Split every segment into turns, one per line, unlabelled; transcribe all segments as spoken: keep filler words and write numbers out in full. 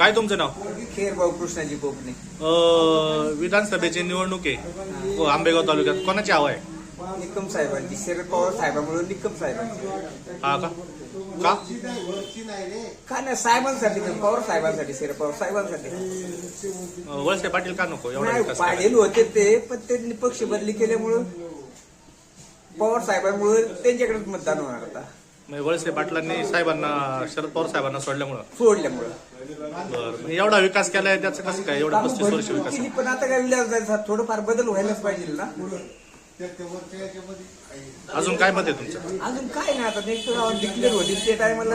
काय तुमचं नाव?
खेरभाऊ कृष्णाजी कोकणे.
अ, विधानसभेची निवडणूक आहे हो, आंबेगाव तालुक्यात. कोणाची हवा आहे?
निकम साहेबांची, शरद पवार साहेबांमुळे निकम साहेबांची.
हा का का
का नाही साहेबांसाठी, पवार साहेबांसाठी, शरद पवार साहेबांसाठी.
अ, वळसे पाटील का नको एवढा
नाही
विकास करायला?
पाटील होते ते, पण त्यांनी पक्ष बदली केल्यामुळं पवार साहेबांमुळे त्यांच्याकडेच मतदान होणार आता.
म्हणजे वळसे पाटलांनी साहेबांना शरद पवार साहेबांना सोडल्यामुळं
सोडल्यामुळं
बरं. एवढा विकास केलाय त्याचं कसं काय एवढा पस्तीस वर्ष विकास?
केली, पण आता काय विलास जायचा, थोडंफार बदल व्हायलाच पाहिजे ना.
अजून काय मत आहे तुमचं?
अजून काय नाही, आता नेक्स्ट डिक्लेअर होतील ते टायमाला.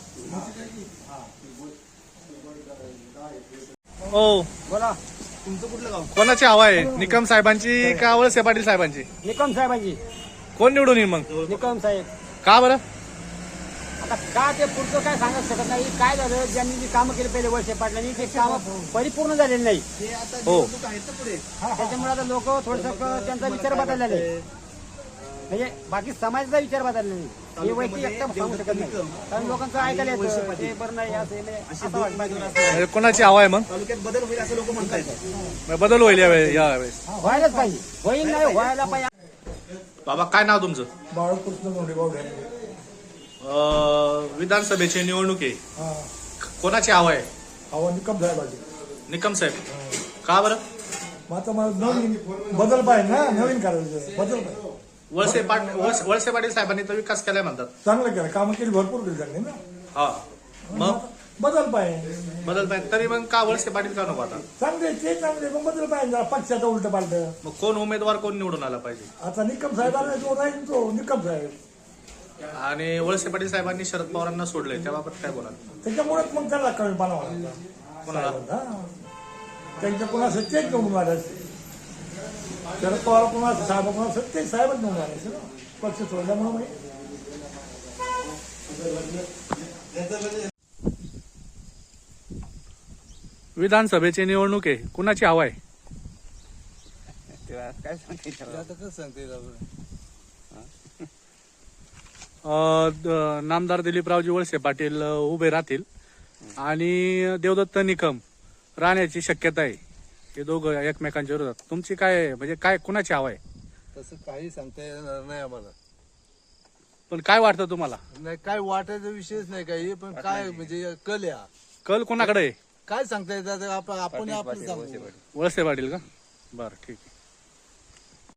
हो,
बोला.
तुमचं कुठलं गाव?
कोणाची हवा आहे? निकम साहेबांची का वळसे पाटील साहेबांची?
निकम साहेबांची.
कोण निवडून येईल मग?
निकम साहेब.
का बरं?
आता का ते पुढचं काय सांगत शकत नाही. काय झालं, ज्यांनी जी कामं केली पहिले वर्षे पाटलांनी, ते कामं परिपूर्ण झालेली नाही.
हो,
त्याच्यामुळे आता लोक थोडस त्यांचा विचार बदललेला आहे. म्हणजे बाकी समाजाचा विचार बदलला नाही. हे वैयक्तिक एकदम सांगू शकत नाही, कारण लोकांचं ऐकायला येतं ते बरं नाही असं नाही, असं वाटतं.
म्हणजे कोणाची हवा आहे मग?
तालुक्यात बदल होईल असं लोक म्हणतात.
बदल होईल यावेळी यावेळेस.
व्हायलाच पाहिजे. होईल नाही व्हायला पाहिजे.
बाबा काय नाव तुमचं?
बाळकृष्ण मोठेभाऊ
अ, विधानसभेची निवडणूक आहे,
हा
कोणाची हवा आहे?
हवा निकम साहेबाची.
निकम साहेब. का बरं?
मग आता मला नवीन बदल पाहिजे ना, नवीन करायचं बदल पाहिजे.
वळसे पाटील वळसे वळसे पाटील साहेबांनी तर विकास केलाय म्हणतात.
चांगलं केलं, कामं केली भरपूर केली त्यांनी ना.
हा, मग
बदल पाहिजे.
बदल पाहिजे तरी मग का वळसे पाटील का नको आता?
चांगले ते चांगले, मग बदल पाहिजे जरा, पक्षाचा उलट पालट.
मग कोण उमेदवार कोण निवडून आला पाहिजे?
आता निकम साहेबांना जो राहील तो निकम साहेब.
आणि वळसे पाटील साहेबांनी शरद पवारांना सोडलंय त्याबाबत काय बोला?
त्याच्यामुळेच मग त्याला कमी पाना
कोणाला?
त्यांच्या कोणा सत्तेच निवडून मारायचे. शरद पवार कोणा साहेब कोणा सत्तेच साहेबच निवडून मारायचे ना, पक्ष सोडल्यामुळे.
विधानसभेची निवडणूक आहे, कुणाची हवा आहे?
काय सांगते
अ, द- नामदार दिलीपरावजी वळसे पाटील अ, उभे राहतील आणि देवदत्त निकम राहण्याची शक्यता आहे. हे दोघं एकमेकांच्या विरोधात. तुमची काय म्हणजे काय कुणाची हवा आहे?
तसं काही सांगता येणार नाही आम्हाला.
पण काय वाटतं तुम्हाला?
नाही काय वाटायचा विषयच नाही काही, पण काय म्हणजे कल या
कल कोणाकडे आहे?
काय सांगता येतात आपण आपण आपलं सांगू.
वळसे पाटील का? बरं, ठीक आहे.